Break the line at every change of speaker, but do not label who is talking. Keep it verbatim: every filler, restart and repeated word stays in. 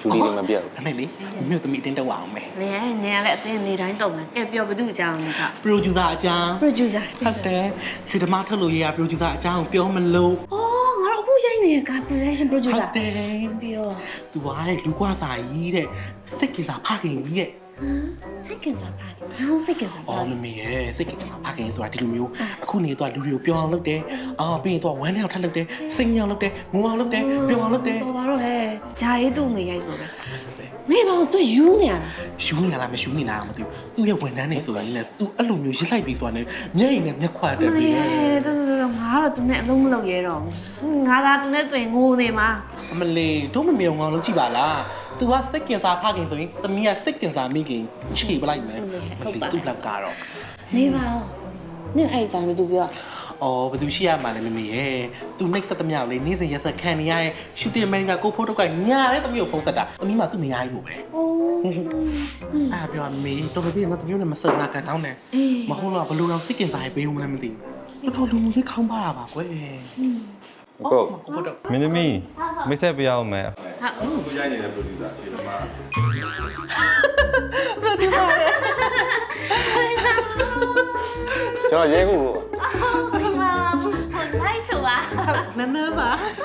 လူတွေမပြတ်
အမေလေမြို့သမီးအတင်းတက်အောင်မယ်
နင်နင်ကလည်းအတင်းနေတိုင်းတုံတယ်ကဲပြောဘသူအကြောင်းလဲက
producer အကြောင်း
producer
ဟုတ်တယ်ရွှေဓမ္မထုတ်လို့ရရ producer အကြောင်းပြောမလို့
အော်ငါတို့အခုရိုက်နေတဲ့က production
ဟုတ်
producer
တယ်
ပြော
သူကတဲ့လူကွာစာကြီးတဲ့စိတ်ကစားဖခင်ကြီးရဲ့
စိတ်ကင်စားပါတယ်။ဟောစိတ်ကင်စားပါ
အော်မမေရဲ့စိတ်ကစားဖခင်ဆိုတာဒီလိုမျိုးအခုနေတော့လူတွေကိုပြောအောင်လုပ်တယ်အော်ပြီးရင်တော့ဝမ်းထဲအောင်ထပ်လုပ်တယ်စိတ်ညောင်းလုပ်တယ်ငုံအောင်လုပ်တယ်ပြောအောင်လုပ်တယ်
တော်ပါတော့ဟဲ့ဂျာရေးသူ့မေရိုက်လို့ပဲနေပါတော့သူယူနေရတာ
ယူနေလားမယူနေလားမသိဘူးသူ့ရဲ့ဝန်ထမ်းတွေဆိုရင်လည်းသူအဲ့လိုမျိုးရစ်လိုက်ပြီးဆိုတာနဲ့မျက်ရည်နဲ့မျက်ခွာတက်ပြီး
တော်တော်ငါတော့သူနဲ့အလုံးမလုပ်ရဲတော့ငါသာသူနဲ့တွေ့ငိုနေမှာ
အမလေးတို့မမေအောင်ငေါလုံးကြည့်ပါလားသူကစိတ်ကင်စားဖခင်ဆိုရင်သမီးကစိတ်ကင်စားမိခင်ခြေပလိုက်မယ်မလေးသူ့လောက်ကတော့
နေပါတော့နင်အဲ့အကြောင်းမသူပြော
အော်ဘယ်သူရှိရမှာလဲမမေရဲ့သူနှိပ်စက်သမျှကိုလေနေ့စဉ်ရက်ဆက်ခံနေရရဲ့ရှူတင်မန်နေဂျာကိုဖိုးတော့ကညာတဲ့သမီးကိုဖုန်းဆက်တာသမီးမှသူ့မရဘူးလို့ပဲ
အိုး
အားပြောမေတော်တော်ကြီးငါသမီးနဲ့မစနာကန်တောင်းနဲ့မဟုတ်တော့ဘလူအောင်စိတ်ကင်စားရေးပေးဦးမလဲမသိဘူးတော်တော်လူလူကြီးခေါင်းပါတာပါကွယ်
ကို
ဟုတ်တော့
မင်းသမီးမိတ်ဆက်ပြရအောင်မယ်
ဟာ
သူရိုက်နေတဲ့ producer ဒီမှာ
ဘယ်ဒီမှာလဲ
ကျွန်တော်ရဲခုကို
ဟိုလိုက်ချူပါ
နန်းနန်းပါ
ဟ